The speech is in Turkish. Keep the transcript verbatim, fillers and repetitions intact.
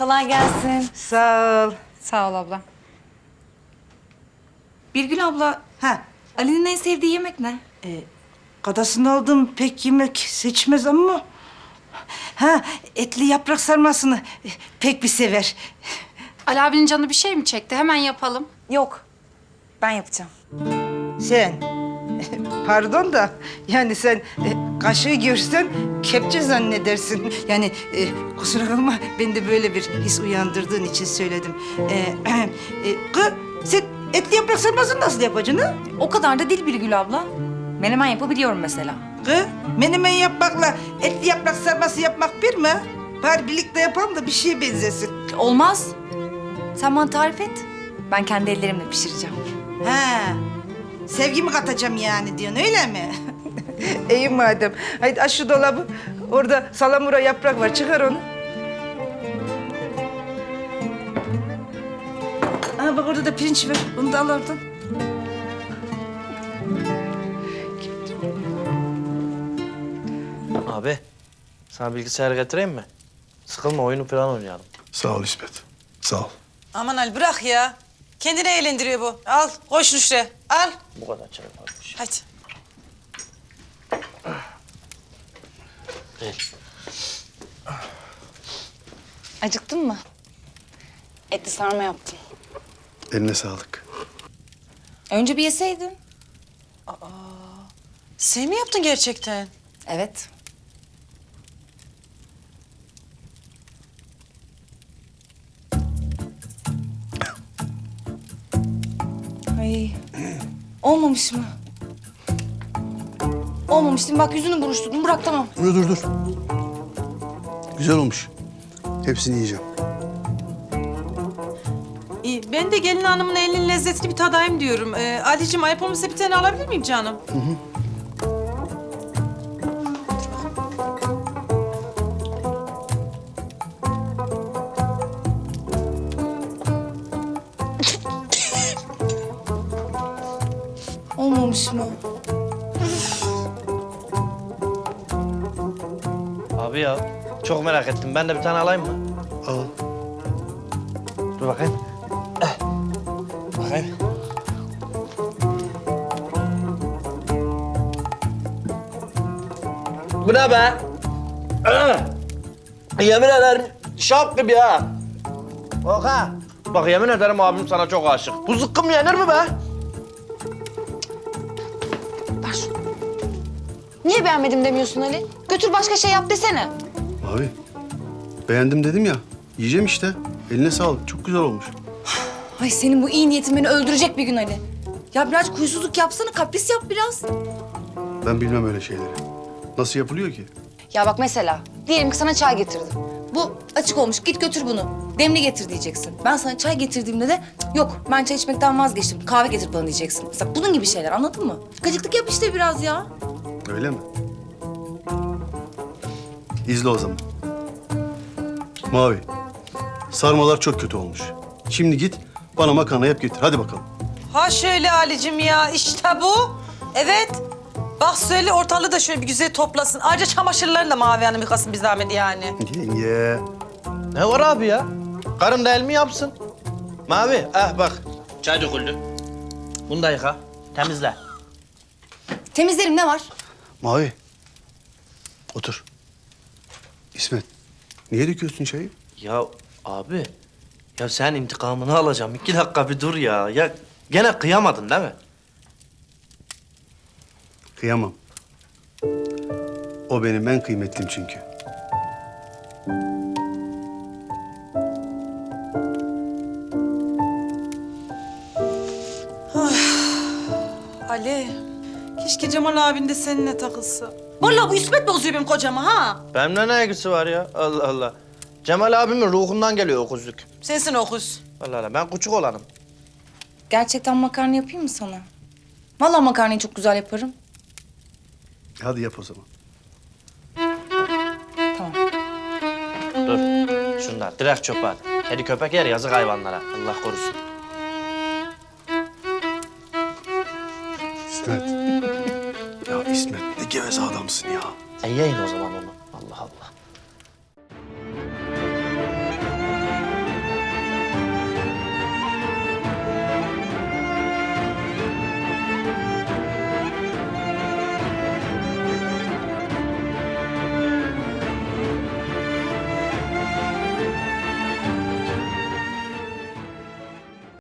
Kolay gelsin. Sağ ol. Sağ ol abla. Birgül abla, Ha, Ali'nin en sevdiği yemek ne? kadasını aldım pek yemek seçmez ama... Ha, etli yaprak sarmasını e, pek bir sever. Ali abinin canı bir şey mi çekti? Hemen yapalım. Yok, ben yapacağım. Sen, pardon da yani sen e, kaşığı görsen kepçe zannedersin. Yani e, kusura kalma ben de böyle bir his uyandırdığın için söyledim. E, e, kız, sen etli yaprak sarmasını nasıl yapacaksın ha? O kadar da değil Birgül abla. Menemen yapabiliyorum mesela. Kız, menemen yapmakla etli yaprak sarması yapmak bir mi? Bari birlikte yapalım da bir şeye benzesin. Olmaz. Sen bana tarif et. Ben kendi ellerimle pişireceğim. Ha, sevgimi katacağım yani diyorsun öyle mi? İyi madem. Haydi aç şu dolabı. Orada salamura yaprak var. Çıkar onu. Aa, bak orada da pirinç var. Onu da al oradan. Abi, sana bilgisayar getireyim mi? Sıkılma, oyunu falan oynayalım. Sağ ol İsmet. Sağ ol. Aman Ali bırak ya. Kendini eğlendiriyor bu. Al koş Nuşre. Al. Bu kadar çay varmış. Hadi. Değil. Acıktın mı? Etli sarma yaptım. Eline sağlık. Önce bir yeseydin. Sen mi yaptın gerçekten? Evet. Ay, olmamış mı? Olmamış değil mi? Bak yüzünü buruşturdun. Bırak tamam. Dur dur dur. Güzel olmuş. Hepsini yiyeceğim. İyi, ben de gelin hanımın elinin lezzetini bir tadayım diyorum. Ee, Ali'cim ayıp olmasa bir tane alabilir miyim canım? Hı hı. Olmamış mı? Abi ya, çok merak ettim. Ben de bir tane alayım mı? Al. Dur bakayım. Eh. Bakayım. Bu ne be? Ah! Yemin ederim şap gibi ha. Bak ha. Bak yemin ederim abim sana çok aşık. Bu zıkkım yenir mi be? Niye beğenmedim demiyorsun Ali? Götür başka şey yap desene. Abi. Beğendim dedim ya. Yiyeceğim işte. Eline sağlık. Çok güzel olmuş. Ay senin bu iyi niyetin beni öldürecek bir gün Ali. Ya biraz kuysuzluk yapsana, kapris yap biraz. Ben bilmem öyle şeyleri. Nasıl yapılıyor ki? Ya bak mesela, diyelim ki sana çay getirdim. Bu açık olmuş, git götür bunu. Demli getir diyeceksin. Ben sana çay getirdiğimde de "Cık, yok ben çay içmekten vazgeçtim, kahve getir bana diyeceksin. Mesela bunun gibi şeyler, anladın mı? Gıcıklık yap işte biraz ya. Öyle mi? İzle o zaman. Mavi. Sarmalar çok kötü olmuş. Şimdi git bana makarna yap getir. Hadi bakalım. Ha şöyle Ali'cim ya işte bu. Evet. Bak söyle ortalığı da şöyle bir güzel toplasın. Ayrıca çamaşırlarını da Mavi Hanım yıkasın bir zahmet yani. Yenge. Ne var abi ya? Karım da el mi yapsın? Mavi, ah bak. Çay döküldü. Bunu da yıka, temizle. Temizlerim ne var? Mavi. Otur. İsmet. Niye döküyorsun çayı? Ya abi, ya sen intikamını alacağım. İki dakika bir dur ya. Ya gene kıyamadın değil mi? Kıyamam. O benim en kıymetlim çünkü. Ali, keşke Cemal abin de seninle takılsa. Vallahi bu İsmet bozuyor benim kocamı ha. Benimle ne ilgisi var ya? Allah Allah. Cemal abimin ruhundan geliyor o kuzluk. Sensin okuz. Allah Allah, ben küçük olanım. Gerçekten makarna yapayım mı sana? Vallahi makarnayı çok güzel yaparım. Hadi yap o zaman. Tamam. Dur, şunlar direkt çöpe at. Kedi köpek yer, yazık hayvanlara. Allah korusun. İsmet. Ya İsmet ne geveze adamsın ya. E yiyin o zaman onu.